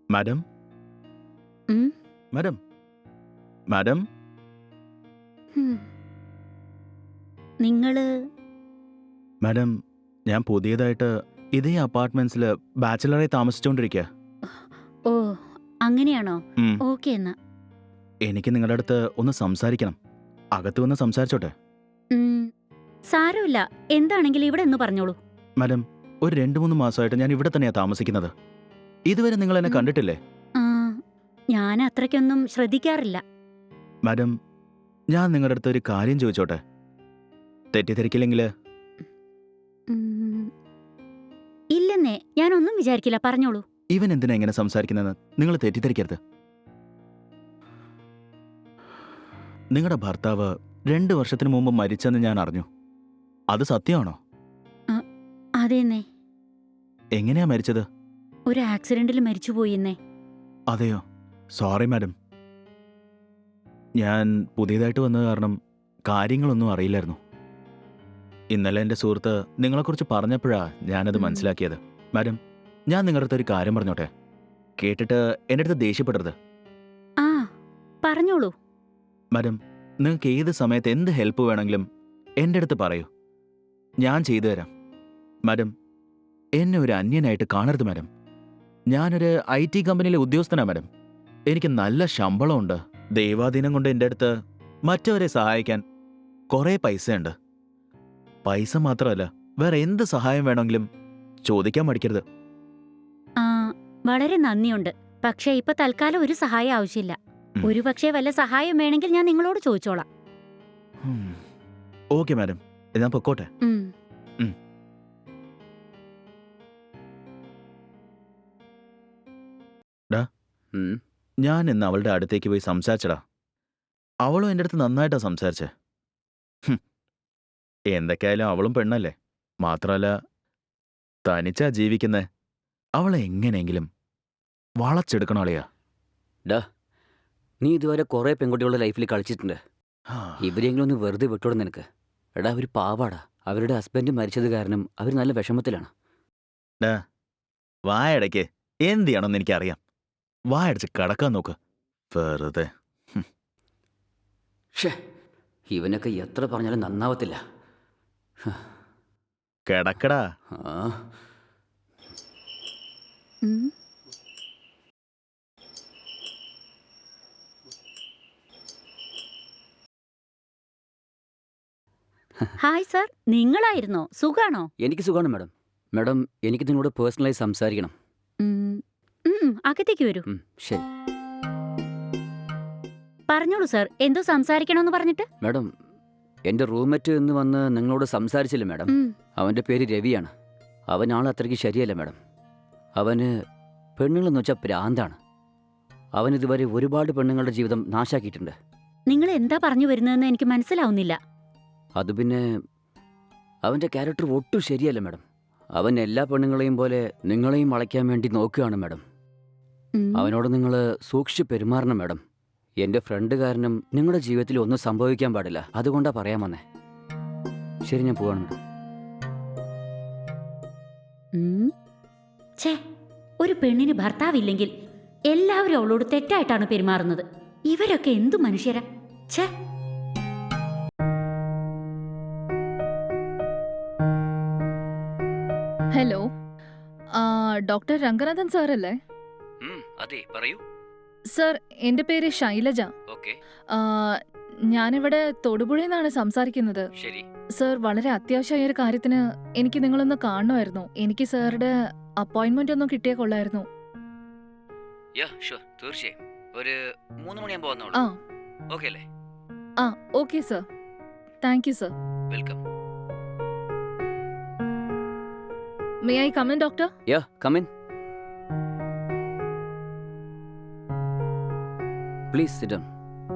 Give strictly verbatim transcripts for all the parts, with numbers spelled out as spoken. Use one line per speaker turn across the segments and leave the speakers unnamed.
Madam
ഉം,
madam madam
ഉം. നിങ്ങള്
മാഡം ഞാൻ പുതിയതായിട്ട് ഇതേ അപ്പാർട്ട്മെന്റ്സിൽ ബാച്ചിലറായി താമസിച്ചുകൊണ്ടിരിക്കുക.
ഓ അങ്ങനെയാണോ?
ഉം.
ഓക്കെ എന്നാ.
എനിക്ക് നിങ്ങളുടെ അടുത്ത് ഒന്ന് സംസാരിക്കണം. അകത്ത് വന്ന് സംസാരിച്ചോട്ടെ?
ഉം, സാരമില്ല. എന്താണെങ്കിലും ഇവിടെ ഒന്ന് പറഞ്ഞോളൂ.
മാഡം, ഒരു രണ്ട് മൂന്ന് മാസമായിട്ട് ഞാൻ ഇവിടെ തന്നെയാ താമസിക്കുന്നത്. ഇതുവരെ നിങ്ങൾ എന്നെ
ഉം.
കണ്ടിട്ടില്ലേ?
ആ, ഞാൻ അത്രയ്ക്കൊന്നും ശ്രദ്ധിക്കാറില്ല.
മാഡം, ഞാൻ നിങ്ങളുടെ അടുത്ത് ഒരു കാര്യം ചോദിച്ചോട്ടെ? തെറ്റിദ്ധരിക്കില്ലെങ്കിൽ?
ഉം, ഇല്ലെന്നേ, ഞാനൊന്നും വിചാരിക്കില്ല. പറഞ്ഞോളൂ.
ഇവൻ എന്തിനാ ഇങ്ങനെ സംസാരിക്കുന്നതെന്ന് നിങ്ങൾ തെറ്റിദ്ധരിക്കരുത്. നിങ്ങളുടെ ഭർത്താവ് രണ്ട് വർഷത്തിന് മുമ്പ് മരിച്ചെന്ന് ഞാൻ അറിഞ്ഞു. അത് സത്യമാണോ?
ആ, അതേന്നേ.
എങ്ങനെയാ മരിച്ചത്?
ഒരു ആക്സിഡന്റിൽ മരിച്ചുപോയിന്നേ.
അതെയോ? Sorry madam. ഞാൻ പുതിയതായിട്ട് വന്നത് കാരണം കാര്യങ്ങളൊന്നും അറിയില്ലായിരുന്നു. ഇന്നലെ എൻ്റെ സുഹൃത്ത് നിങ്ങളെക്കുറിച്ച് പറഞ്ഞപ്പോഴാ ഞാനത്
ഉം.
മനസ്സിലാക്കിയത്. മാഡം, ഞാൻ നിങ്ങളുടെ അടുത്ത് ഒരു കാര്യം പറഞ്ഞോട്ടെ? കേട്ടിട്ട് എൻ്റെ അടുത്ത് ദേഷ്യപ്പെടരുത്.
ആ, പറഞ്ഞോളൂ.
മാഡം, നിങ്ങൾക്ക് ഏത് സമയത്ത് എന്ത് ഹെൽപ്പ് വേണമെങ്കിലും എൻ്റെ അടുത്ത് പറയൂ, ഞാൻ ചെയ്തു തരാം. മാഡം, എന്നെ ഒരു അന്യനായിട്ട് കാണരുത് മാഡം. ഞാനൊരു ഐ ടി കമ്പനിയിലെ ഉദ്യോഗസ്ഥനാണ് മാഡം. എനിക്ക് നല്ല ശമ്പളമുണ്ട്. ദൈവാധീനം കൊണ്ട് എൻ്റെ അടുത്ത് മറ്റവരെ സഹായിക്കാൻ കുറേ പൈസയുണ്ട്. പൈസ മാത്രമല്ല, വേറെ എന്ത് സഹായം വേണമെങ്കിലും ചോദിക്കാൻ മടിക്കരുത്.
ആ, വളരെ നന്ദിയുണ്ട്. പക്ഷേ ഇപ്പൊ തൽക്കാലം ഒരു സഹായം ആവശ്യമില്ല.
ഉം.
ഒരു പക്ഷേ വല്ല സഹായം വേണമെങ്കിൽ ഞാൻ നിങ്ങളോട് ചോദിച്ചോളാം.
ഉം. ഓക്കെ മാഡം, ഞാൻ പൊക്കോട്ടെ?
ഉം.
ഉം. ഡാ,
ഉം.
ഞാൻ ഇന്ന് അവളുടെ അടുത്തേക്ക് പോയി സംസാരിച്ചടാ. അവളും എൻ്റെ അടുത്ത് നന്നായിട്ടാ സംസാരിച്ചേ. ഹും, എന്തൊക്കെയായാലും അവളും പെണ്ണല്ലേ. മാത്രമല്ല, തനിച്ചാ ജീവിക്കുന്നേ. അവളെ എങ്ങനെയെങ്കിലും വളച്ചെടുക്കണം അളിയാ.
ഡാ, നീ ഇതുവരെ കുറേ പെൺകുട്ടികളുടെ ലൈഫിൽ കളിച്ചിട്ടുണ്ട്. ഇവരെങ്കിലും ഒന്ന് വെറുതെ വിട്ടോടെ നിനക്ക്. എടാ, അവർ പാവാടാ. അവരുടെ ഹസ്ബൻഡ് മരിച്ചത് കാരണം അവർ നല്ല വിഷമത്തിലാണ്.
ഡാ, വായടയ്ക്ക് എന്ത് ചെയ്യണമെന്ന് എനിക്കറിയാം. വായടച്ച് കിടക്കാൻ നോക്ക് വെറുതെ.
ഷേ, ഇവനൊക്കെ എത്ര പറഞ്ഞാലും നന്നാവത്തില്ല.
കിടക്കടാ.
ആ,
ഉം. ഹായ് സർ, നിങ്ങളായിരുന്നോ? സുഖാണോ?
എനിക്ക് സുഖമാണ് മാഡം. മാഡം, എനിക്ക് നിങ്ങളോട് പേഴ്സണലായി സംസാരിക്കണം.
ഉം. ഉം, അകത്തേക്ക് വരൂ.
ഉം, ശരി.
പറഞ്ഞോളൂ സർ, എന്തോ സംസാരിക്കണമെന്ന് പറഞ്ഞിട്ട്.
മാഡം, എൻ്റെ റൂംമേറ്റ് എന്ന് വന്ന് നിങ്ങളോട് സംസാരിച്ചില്ല മാഡം.
ഉം.
അവൻ്റെ പേര് രവിയാണ്. അവൻ ആൾ അത്രയ്ക്ക് ശരിയല്ല മാഡം. അവന് പെണ്ണുങ്ങളെന്ന് വെച്ചാൽ പ്രാന്താണ്. അവൻ ഇതുവരെ ഒരുപാട് പെണ്ണുങ്ങളുടെ ജീവിതം നാശാക്കിയിട്ടുണ്ട്.
നിങ്ങൾ എന്താ പറഞ്ഞു വരുന്നതെന്ന് എനിക്ക് മനസ്സിലാവുന്നില്ല.
അത് പിന്നെ അവൻ്റെ ക്യാരക്ടർ ഒട്ടും ശരിയല്ല മാഡം. അവൻ എല്ലാ പെണ്ണുങ്ങളെയും പോലെ നിങ്ങളെയും വളയ്ക്കാൻ വേണ്ടി നോക്കുകയാണ് മാഡം.
ഉം.
അവനോട് നിങ്ങൾ സൂക്ഷിച്ച് പെരുമാറണം മാഡം. എൻ്റെ ഫ്രണ്ട് കാരണം നിങ്ങളുടെ ജീവിതത്തിൽ ഒന്നും സംഭവിക്കാൻ പാടില്ല. അതുകൊണ്ടാണ് പറയാൻ വന്നേ. ശരി, ഞാൻ പോവാണ് മാഡം.
ഉം. ഛേ, ഒരു പെണ്ണിന് ഭർത്താവില്ലെങ്കിൽ എല്ലാവരും അവളോട് തെറ്റായിട്ടാണ് പെരുമാറുന്നത്. ഇവരൊക്കെ എന്തു മനുഷ്യരാ? ഛേ.
ഹലോ, ആ, ഡോക്ടർ രംഗനാഥൻ സാർ അല്ലേ?
അതെ, പറയൂ.
സർ, എൻ്റെ പേര് ശൈലജ.
ഓക്കെ,
ആ, ഞാനിവിടെ തൊടുപുഴയിൽ നിന്നാണ് സംസാരിക്കുന്നത്.
ശരി.
സർ, വളരെ അത്യാവശ്യമായ ഒരു കാര്യത്തിന് എനിക്ക് നിങ്ങളൊന്ന് കാണണമായിരുന്നു. എനിക്ക് സാറുടെ അപ്പോയിന്റ്മെന്റ് ഒന്നും കിട്ടിയാൽ കൊള്ളായിരുന്നു.
യാ, ഷുവർ, തീർച്ചയായും. ഒരു മൂന്ന് മണിയാകുമ്പോൾ വന്നോളൂ.
ആ
ഓക്കെ അല്ലേ?
ആ okay sir, thank you sir.
Welcome.
May I come in doctor?
Ya, come in. Please sit down.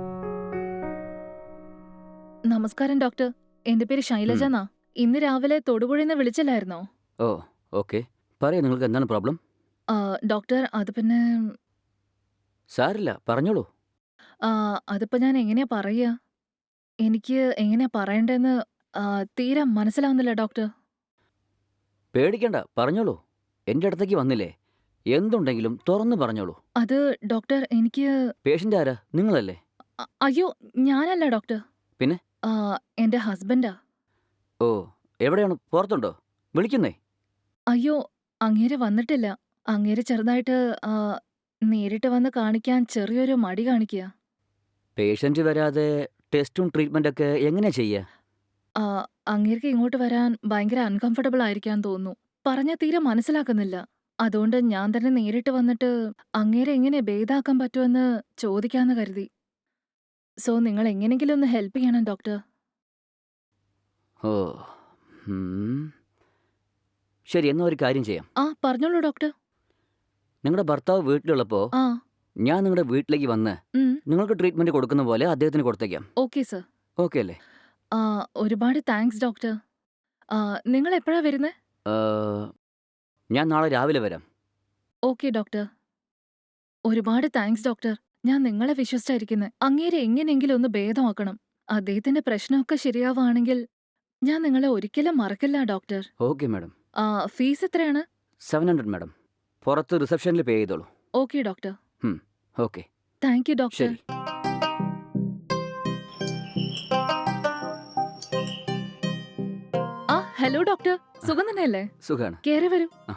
നമസ്കാരം ഡോക്ടർ, എൻ്റെ പേര് ശൈലജ എന്നാ. ഇന്ന് രാവിലെ തൊടുപുഴയിൽ നിന്ന് വിളിച്ചില്ലായിരുന്നോ?
ഓ, ഓക്കെ. പറയൂ, നിങ്ങൾക്ക് എന്താണ് പ്രോബ്ലം?
ആ, ഡോക്ടർ, അത് പിന്നെ
സാരില്ല, പറഞ്ഞോളൂ.
ആ, അതിപ്പോ ഞാൻ എങ്ങനെയാ പറയുക? എനിക്ക് എങ്ങനെയാ പറയണ്ടേന്ന് ആ, തീരെ മനസ്സിലാവുന്നില്ല ഡോക്ടർ.
പേടിക്കണ്ട, പറഞ്ഞോളൂ. എൻ്റെ അടുത്തേക്ക് വന്നില്ലേ? എന്തുണ്ടെങ്കിലും തുറന്നു പറഞ്ഞോളൂ.
അത് ഡോക്ടർ എനിക്ക്
പേഷ്യന്റ് ആരാ? നിങ്ങളല്ലേ?
അ- അയ്യോ ഞാനല്ല ഡോക്ടർ.
പിന്നെ?
ആ, എന്റെ ഹസ്ബൻഡാ.
ഓ, എവിടെയാണ്? പുറത്തുണ്ടോ? വിളിക്കുന്നേ.
അയ്യോ അങ്ങേര് വന്നിട്ടില്ല. അങ്ങേര് ചെറുതായിട്ട് ആ, നേരിട്ട് വന്ന് കാണിക്കാൻ ചെറിയൊരു മടി കാണിക്കുക.
പേഷ്യന്റ് വരാതെ ടെസ്റ്റും ട്രീറ്റ്മെന്റ് ഒക്കെ എങ്ങനെയാ ചെയ്യുക?
ആ, അങ്ങേർക്ക് ഇങ്ങോട്ട് വരാൻ ഭയങ്കര അൺകംഫർട്ടബിൾ ആയിരിക്കാൻ തോന്നുന്നു. പറഞ്ഞാ തീരെ മനസ്സിലാക്കുന്നില്ല. അതുകൊണ്ട് ഞാൻ തന്നെ നേരിട്ട് വന്നിട്ട് അങ്ങേരെ എങ്ങനെ ഭേദാക്കാൻ പറ്റുമെന്ന് ചോദിക്കാന്ന് കരുതി. സോ നിങ്ങൾ എങ്ങനെങ്കിലും ഒന്ന് ഹെൽപ്പ് ചെയ്യണം ഡോക്ടർ.
ഓ, ഉം. ശരി, എന്നാ ഒരു കാര്യം ചെയ്യാം.
ആ പറഞ്ഞോളൂ ഡോക്ടർ.
നിങ്ങളുടെ ഭർത്താവ് വീട്ടിലുള്ളപ്പോൾ
ആ
ഞാൻ നിങ്ങളുടെ വീട്ടിലേക്ക് വന്ന്
ഉം,
നിങ്ങൾക്ക് ട്രീറ്റ്മെന്റ് കൊടുക്കുന്ന പോലെ അദ്ദേഹത്തിന് കൊടുത്തേക്കാം.
Okay sir.
ഓക്കെ അല്ലേ?
ആ, ഒരുപാട് താങ്ക്സ് ഡോക്ടർ. ആ, നിങ്ങൾ എപ്പോഴാ വരുന്നത്?
ആ, ഞാൻ നാളെ രാവിലെ വരാം.
Okay doctor. ഒരുപാട് താങ്ക്സ് ഡോക്ടർ. ഞാൻ നിങ്ങളെ വിശ്വസിച്ചായിരിക്കുന്നത്. അങ്ങേരെ എങ്ങനെയെങ്കിലും ഒന്ന് ഭേദമാക്കണം. അദ്ദേഹത്തിന്റെ പ്രശ്നമൊക്കെ ശരിയാവുകയാണെങ്കിൽ ഞാൻ നിങ്ങളെ ഒരിക്കലും മറക്കില്ല ഡോക്ടർ.
Okay madam.
ആ, ഫീസ് എത്രയാണ്?
Seven hundred madam. പുറത്ത് റിസപ്ഷനിൽ പേ ചെയ്തോളൂ.
Okay doctor.
Okay,
thank you doctor.
ശരി.
ആ ഹലോ ഡോക്ടർ, സുഖം തന്നെയല്ലേ?
സുഖാണ്.
കേറി വരൂ.
ആ.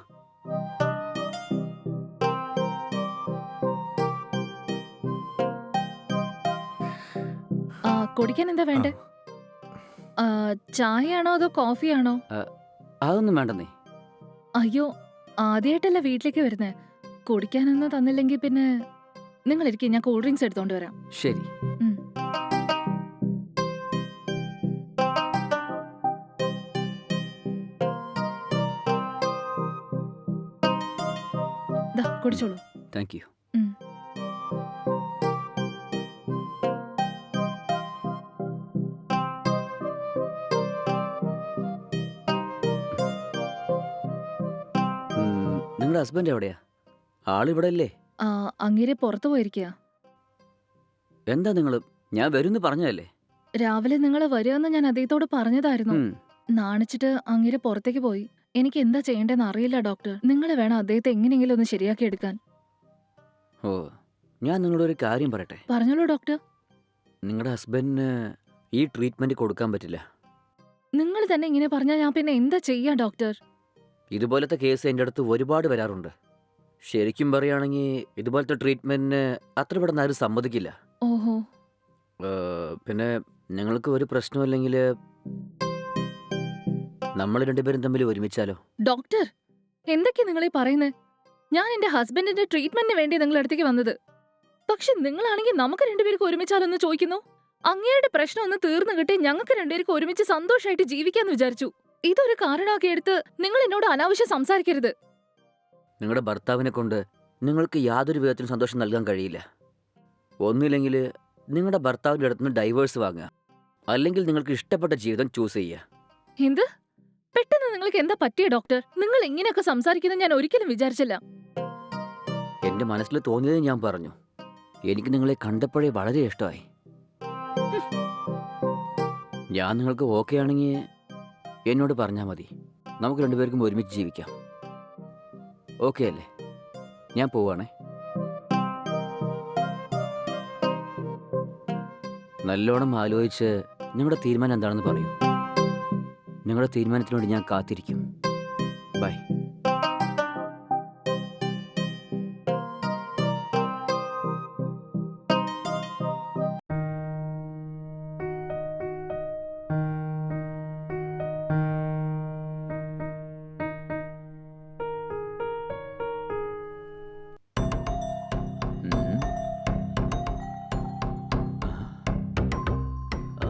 ആ, കുടിക്കാൻ എന്താ വേണ്ടേ? ആ, ചായയാണോ അതോ കോഫിയാണോ?
അതൊന്നും വേണ്ടെന്നേ.
അയ്യോ ആദ്യമായിട്ടല്ല വീട്ടിലേക്ക് വരുന്നേ. കുടിക്കാനൊന്നും തന്നില്ലെങ്കിൽ പിന്നെ നിങ്ങൾ ഇരിക്കും, ഞാൻ കൂൾ ഡ്രിങ്ക്സ് എടുത്തോണ്ട് വരാം.
ശരി.
ഉം. ദാ, കുടിച്ചോളൂ.
Thank you.
ഉം.
ഉം, നിങ്ങളുടെ ഹസ്ബൻഡ് എവിടെയാ? ആളിവിടെ അല്ലേ?
ആ, അങ്ങേരെ പുറത്തു പോയിരിക്കുക.
എന്താ നിങ്ങൾ? ഞാൻ വരുമെന്ന് പറഞ്ഞതല്ലേ?
രാവിലെ നിങ്ങൾ വരുമെന്ന് ഞാൻ അദ്ദേഹത്തോട് പറഞ്ഞതായിരുന്നു.
ഉം,
നാണിച്ചിട്ട് അങ്ങേരെ പുറത്തേക്ക് പോയി. എനിക്ക് എന്താ ചെയ്യേണ്ടതെന്ന് അറിയില്ല ഡോക്ടർ. നിങ്ങൾ വേണം അദ്ദേഹത്തെ എങ്ങനെയെങ്കിലും ഒന്ന് ശരിയാക്കി എടുക്കാൻ.
ഓ, ഞാൻ നിങ്ങളോടൊരു കാര്യം പറയട്ടെ.
പറഞ്ഞോളൂ ഡോക്ടർ.
നിങ്ങളുടെ ഹസ്ബൻഡിന് ഈ ട്രീറ്റ്മെന്റ് കൊടുക്കാൻ പറ്റില്ല.
നിങ്ങൾ തന്നെ ഇങ്ങനെ പറഞ്ഞാൽ ഞാൻ പിന്നെ എന്താ ചെയ്യാ ഡോക്ടർ?
ഇതുപോലത്തെ കേസ് എൻ്റെ അടുത്ത് ഒരുപാട് വരാറുണ്ട്. ശരിക്കും പറയുകയാണെങ്കിൽ ഇതുപോലത്തെ ട്രീറ്റ്മെന്റിന് അത്ര പെട്ടെന്ന് ആരും സമ്മതിക്കില്ല.
ഓഹോ.
ഏഹ്, പിന്നെ നിങ്ങൾക്ക് ഒരു പ്രശ്നമില്ലെങ്കിൽ നമ്മൾ രണ്ടുപേരും തമ്മിൽ ഒരുമിച്ചാലോ?
ഡോക്ടർ എന്തൊക്കെയാ നിങ്ങൾ ഈ പറയുന്നത്? ഞാൻ എന്റെ ഹസ്ബൻഡിന്റെ ട്രീറ്റ്മെന്റിന് വേണ്ടി നിങ്ങളുടെ അടുത്തേക്ക് വന്നത്. പക്ഷെ നിങ്ങളാണെങ്കിൽ നമുക്ക് രണ്ടുപേർക്ക് ഒരുമിച്ചാലൊന്ന് ചോദിക്കുന്നു. അങ്ങയുടെ പ്രശ്നം ഒന്ന് തീർന്നു കിട്ടി ഞങ്ങൾക്ക് രണ്ടുപേർക്ക് ഒരുമിച്ച് സന്തോഷമായിട്ട് ജീവിക്കാന്ന് വിചാരിച്ചു. ഇതൊരു കാരണമൊക്കെ എടുത്ത് നിങ്ങൾ എന്നോട് അനാവശ്യം സംസാരിക്കരുത്.
നിങ്ങളുടെ ഭർത്താവിനെ കൊണ്ട് നിങ്ങൾക്ക് യാതൊരു വിധത്തിലും സന്തോഷം നൽകാൻ കഴിയില്ല. ഒന്നുമില്ലെങ്കിൽ നിങ്ങളുടെ ഭർത്താവിൻ്റെ അടുത്ത് നിന്ന് ഡൈവേഴ്സ് വാങ്ങുക, അല്ലെങ്കിൽ നിങ്ങൾക്ക് ഇഷ്ടപ്പെട്ട ജീവിതം ചൂസ് ചെയ്യുക.
എന്ത്? പെട്ടെന്ന് നിങ്ങൾക്ക് എന്താ പറ്റിയ ഡോക്ടർ? നിങ്ങൾ ഇങ്ങനെയൊക്കെ സംസാരിക്കുന്നത് ഞാൻ ഒരിക്കലും വിചാരിച്ചില്ല.
എൻ്റെ മനസ്സിൽ തോന്നിയത് ഞാൻ പറഞ്ഞു. എനിക്ക് നിങ്ങളെ കണ്ടപ്പോഴേ വളരെ ഇഷ്ടമായി. ഞാൻ നിങ്ങൾക്ക് ഓക്കെ ആണെങ്കിൽ എന്നോട് പറഞ്ഞാൽ മതി. നമുക്ക് രണ്ടുപേർക്കും ഒരുമിച്ച് ജീവിക്കാം. ഓക്കെ അല്ലേ? ഞാൻ പോവാണേ. നല്ലോണം ആലോചിച്ച് നിങ്ങളുടെ തീരുമാനം എന്താണെന്ന് പറയൂ. നിങ്ങളുടെ തീരുമാനത്തിനോട് ഞാൻ കാത്തിരിക്കും. ബൈ. ഉം. ആ.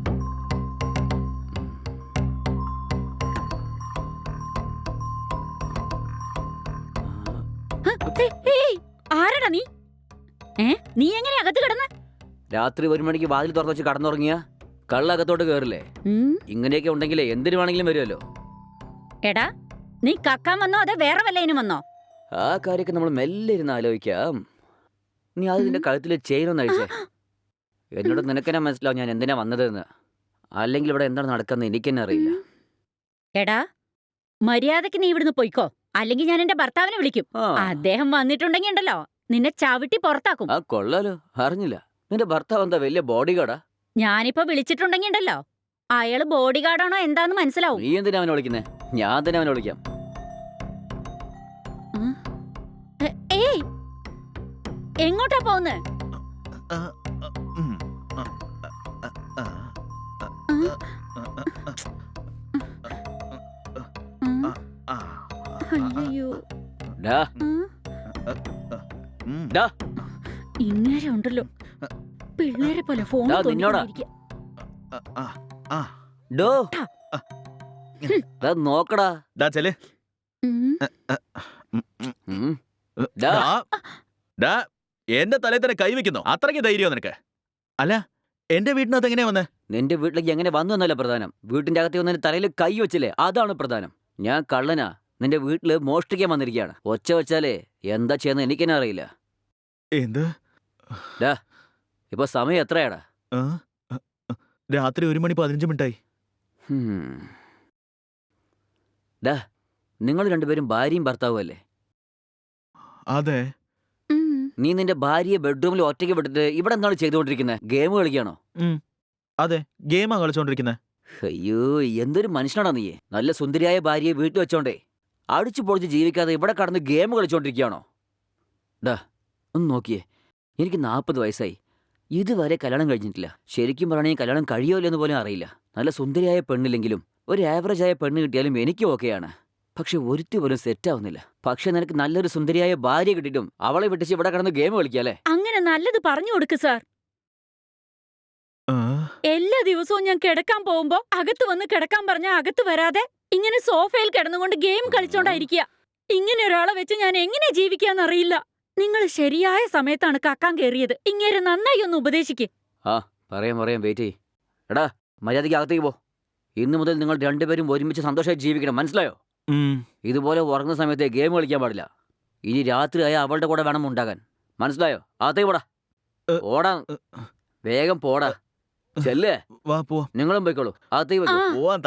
ആരടാ നീ? ഏ നീ എങ്ങനെ അകത്ത് കിടന്ന്?
രാത്രി ഒരു മണിക്ക് വാതിൽ തുറന്നു വെച്ച് കടന്നുറങ്ങിയ കള്ളകത്തോട്ട് കയറില്ലേ?
ഉം,
ഇങ്ങനെയൊക്കെ ഉണ്ടെങ്കിലേ എന്തിനു വേണമെങ്കിലും വരുമല്ലോ.
എടാ നീ കക്കാൻ വന്നോ അതെ വേറെ വല്ലതിനും വന്നോ?
ആ കാര്യമൊക്കെ നമ്മൾ മെല്ലെ ഇരുന്ന് ആലോചിക്കാം. നീ അത് നിന്റെ കഴുത്തിൽ ചെയിനൊന്ന് അഴിച്ചേ. എന്നോട് നിനക്കെന്നെ മനസ്സിലാവും ഞാൻ എന്തിനാ വന്നതെന്ന്. അല്ലെങ്കിൽ ഇവിടെ എന്താണ് നടക്കുന്നത് എനിക്ക് തന്നെ അറിയില്ല.
എടാ മര്യാദക്ക് നീ ഇവിടുന്ന് പോയിക്കോ. അല്ലെങ്കിൽ ഞാൻ എന്റെ ഭർത്താവിനെ വിളിക്കും.
ആ
അദ്ദേഹം വന്നിട്ടുണ്ടെങ്കിൽ ഉണ്ടല്ലോ നിന്നെ ചവിട്ടി പുറത്താക്കും.
ആ കൊള്ളാലോ, അറിഞ്ഞില്ല. നിന്റെ ഭർത്താവ് എന്താ വലിയ ബോഡി ഗാർഡാ?
ഞാനിപ്പോ വിളിച്ചിട്ടുണ്ടെങ്കിൽ ഉണ്ടല്ലോ അയാള് ബോഡി ഗാർഡാണോ എന്താന്ന് മനസ്സിലാവും.
നീ എന്തിനാ അവനെ വിളിക്കുന്നേ? ഞാൻ തന്നെ അവനെ വിളിക്കാം.
ഉം. എ- ഏയ് എങ്ങോട്ടാ പോകുന്നേ?
ആ, ആ, ഉം, ആ, ആ, ആ,
ഉം. ഉം.
ആ,
അയ്യോ.
ഡാ
ഉം.
ഉം.
ഡാ
ഇങ്ങനെ ഉണ്ടല്ലോ പിള്ളേരെ പോലെ ഫോൺ
ദാ നിന്നോടാ.
ആ, ആ, ആ.
ഡോ ദാ നോക്കടാ.
ദാ ചെല്. ഉം,
ഉം.
ഡാ,
ഡാ.
ഡാ, എന്റെ തലയിൽ തന്നെ കൈവെക്കുന്നോ? അത്രയ്ക്ക് ധൈര്യമോ നിനക്ക്? അല്ല, എന്റെ വീട്ടിനകത്ത് എങ്ങനെയാ വന്നേ?
നിന്റെ വീട്ടിലേക്ക് എങ്ങനെ വന്നു എന്നല്ല പ്രധാനം. വീട്ടിന്റെ അകത്ത് വന്നതിന് തലയിൽ കൈ വെച്ചില്ലേ, അതാണ് പ്രധാനം. ഞാൻ കള്ളനാ, നിന്റെ വീട്ടില് മോഷ്ടിക്കാൻ വന്നിരിക്കുകയാണ്. ഒച്ച വെച്ചാലേ എന്താ ചെയ്യുന്നത് എനിക്കെന്നെ അറിയില്ല.
എന്ത്?
ഇപ്പൊ സമയം എത്രയാടാ?
ആ? രാത്രി ഒരു മണി പതിനഞ്ച് മിനിറ്റായി.
ഹും. ഡാ നിങ്ങൾ രണ്ടുപേരും ഭാര്യയും ഭർത്താവും അല്ലേ?
അതെ.
നീ നിന്റെ ഭാര്യയെ ബെഡ്റൂമിൽ ഒറ്റയ്ക്ക് വിട്ടിട്ട് ഇവിടെ എന്താണ് ചെയ്തുകൊണ്ടിരിക്കുന്നത്? ഗെയിം കളിക്കുകയാണോ?
അതെ, ഗെയിമാ കളിച്ചോണ്ടിരിക്കുന്നെ.
അയ്യോ, എന്തൊരു മനുഷ്യനാടാ നീ. നല്ല സുന്ദരിയായ ഭാര്യയെ വീട്ടിൽ വെച്ചോണ്ടേ അടിച്ചു പൊളിച്ച് ജീവിക്കാതെ ഇവിടെ കടന്ന് ഗെയിം കളിച്ചോണ്ടിരിക്കുകയാണോ? ഡാ ഒന്ന് നോക്കിയേ, എനിക്ക് നാൽപ്പത് വയസ്സായി, ഇതുവരെ കല്യാണം കഴിഞ്ഞിട്ടില്ല. ശരിക്കും പറയണെങ്കിൽ കല്യാണം കഴിയുമല്ലെന്ന് പോലും അറിയില്ല. നല്ല സുന്ദരിയായ പെണ്ണില്ലെങ്കിലും ഒരു ആവറേജ് ആയ പെണ്ണ് കിട്ടിയാലും എനിക്ക് ഓക്കെയാണ്. പക്ഷെ ഒരുത്തി പോലും സെറ്റ് ആവുന്നില്ല. പക്ഷെ നിനക്ക് നല്ലൊരു സുന്ദരിയായ ഭാര്യ കിട്ടിയിട്ടും അവളെ വിട്ടിച്ച് ഇവിടെ കിടന്ന് ഗെയിം കളിക്കാല്ലേ?
അങ്ങനെ നല്ലത് പറഞ്ഞു കൊടുക്ക് സാർ.
ആ,
എല്ലാ ദിവസവും ഞാൻ കിടക്കാൻ പോകുമ്പോ അകത്ത് വന്ന് കിടക്കാൻ പറഞ്ഞാൽ അകത്ത് വരാതെ ഇങ്ങനെ സോഫയിൽ കിടന്നുകൊണ്ട് ഗെയിം കളിച്ചോണ്ടായിരിക്കുക. ഇങ്ങനെ ഒരാളെ വെച്ച് ഞാൻ എങ്ങനെ ജീവിക്കാന്നറിയില്ല. നിങ്ങൾ ശരിയായ സമയത്താണ് കക്കാൻ കയറിയത്. ഇങ്ങനെ നന്നായി ഒന്ന് ഉപദേശിക്ക്.
ആ പറയാം പറയാം, വെയിറ്റ് ചെയ്യ്. എടാ മര്യാദയ്ക്ക് അകത്തേക്ക് പോ. ഇന്നു മുതൽ നിങ്ങൾ രണ്ടുപേരും ഒരുമിച്ച് സന്തോഷമായി ജീവിക്കണം, മനസ്സിലായോ?
ഉം.
ഇതുപോലെ ഉറങ്ങുന്ന സമയത്ത് ഗെയിം കളിക്കാൻ പാടില്ല. ഇനി രാത്രിയായ അവളുടെ കൂടെ വേണം ഉണ്ടാകാൻ, മനസ്സിലായോ? അകത്തേക്ക് പോടാ.
ഏ,
ഓടാ,
ഏ,
വേഗം പോടാ. ചെല്ലേ,
വാ പോവാം.
നിങ്ങളും പോയിക്കോളൂ, അകത്തേക്ക്
ആ
വെക്കൂ.
പോവാൻ